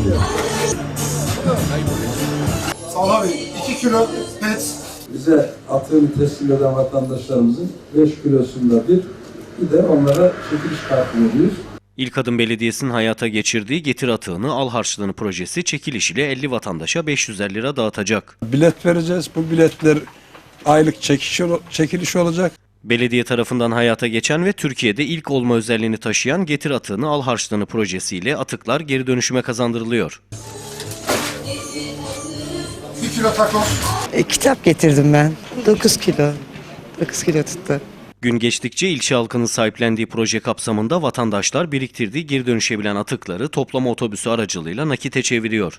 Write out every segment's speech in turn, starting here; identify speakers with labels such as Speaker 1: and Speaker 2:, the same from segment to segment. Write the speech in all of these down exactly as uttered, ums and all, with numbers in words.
Speaker 1: Salha Bey, iki kilo pet.
Speaker 2: Bize atığını teslim eden vatandaşlarımızın beş kilosunda bir, bir de onlara çekiliş kartı veriyoruz.
Speaker 3: İlkadım Belediyesi'nin hayata geçirdiği Getir Atığını Al Harçlığını projesi çekiliş ile elli vatandaşa beş yüzer lira dağıtacak.
Speaker 2: Bilet vereceğiz. Bu biletler aylık çekiş, çekiliş olacak.
Speaker 3: Belediye tarafından hayata geçen ve Türkiye'de ilk olma özelliğini taşıyan Getir Atığını Al Harçlığını projesiyle atıklar geri dönüşüme kazandırılıyor.
Speaker 1: Bir kilo takoz.
Speaker 4: E, kitap getirdim ben. dokuz kilo. dokuz kilo tuttu.
Speaker 3: Gün geçtikçe ilçe halkının sahiplendiği proje kapsamında vatandaşlar biriktirdiği geri dönüşebilen atıkları toplama otobüsü aracılığıyla nakite çeviriyor.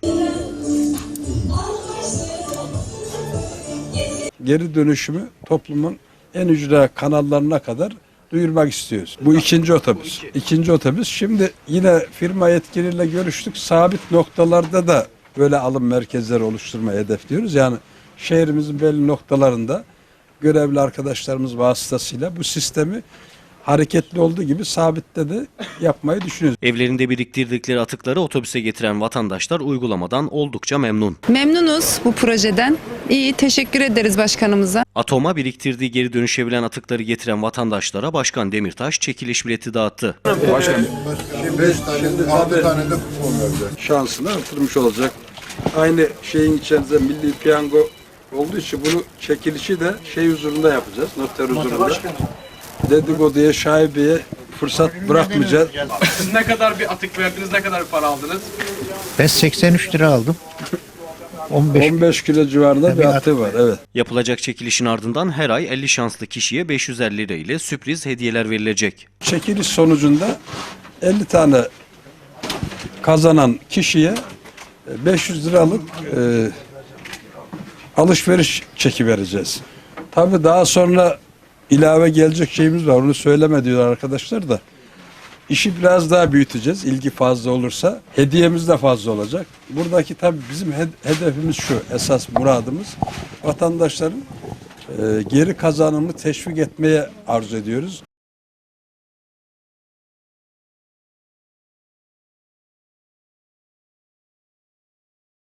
Speaker 2: Geri dönüşümü toplumun en ücra kanallarına kadar duyurmak istiyoruz. Bu ikinci otobüs. İkinci otobüs. Şimdi yine firma yetkiliyle görüştük. Sabit noktalarda da böyle alım merkezleri oluşturmayı hedefliyoruz. Yani şehrimizin belli noktalarında görevli arkadaşlarımız vasıtasıyla bu sistemi hareketli olduğu gibi sabitte de yapmayı düşünüyoruz.
Speaker 3: Evlerinde biriktirdikleri atıkları otobüse getiren vatandaşlar uygulamadan oldukça memnun.
Speaker 5: Memnunuz bu projeden. İyi, teşekkür ederiz başkanımıza.
Speaker 3: Atoma biriktirdiği geri dönüşebilen atıkları getiren vatandaşlara Başkan Demirtaş çekiliş bileti dağıttı.
Speaker 2: Başkanım,
Speaker 1: Şimdi beş tane, altı tane de kupon vereceğiz.
Speaker 2: şansını artırmış olacak. Aynı şeyin içerisinde milli piyango olduğu için bunu çekilişi de şey huzurunda yapacağız. Noter huzurunda. Dedikoduya, şaibeye fırsat bırakmayacağız.
Speaker 6: Siz ne kadar bir atık verdiniz, ne kadar bir para aldınız?
Speaker 7: Ben seksen üç lira aldım. on beş
Speaker 2: on beş kilo civarında bir atığı var. Evet.
Speaker 3: Yapılacak çekilişin ardından her ay elli şanslı kişiye beş yüzer lira ile sürpriz hediyeler verilecek.
Speaker 2: Çekiliş sonucunda elli tane kazanan kişiye beş yüz liralık e, alışveriş çeki vereceğiz. Tabii daha sonra ilave gelecek şeyimiz var. Onu söyleme diyor arkadaşlar da. İşi biraz daha büyüteceğiz. İlgi fazla olursa. Hediyemiz de fazla olacak. Buradaki tabii bizim hedefimiz şu. Esas muradımız vatandaşların e, geri kazanımını teşvik etmeye arzu ediyoruz.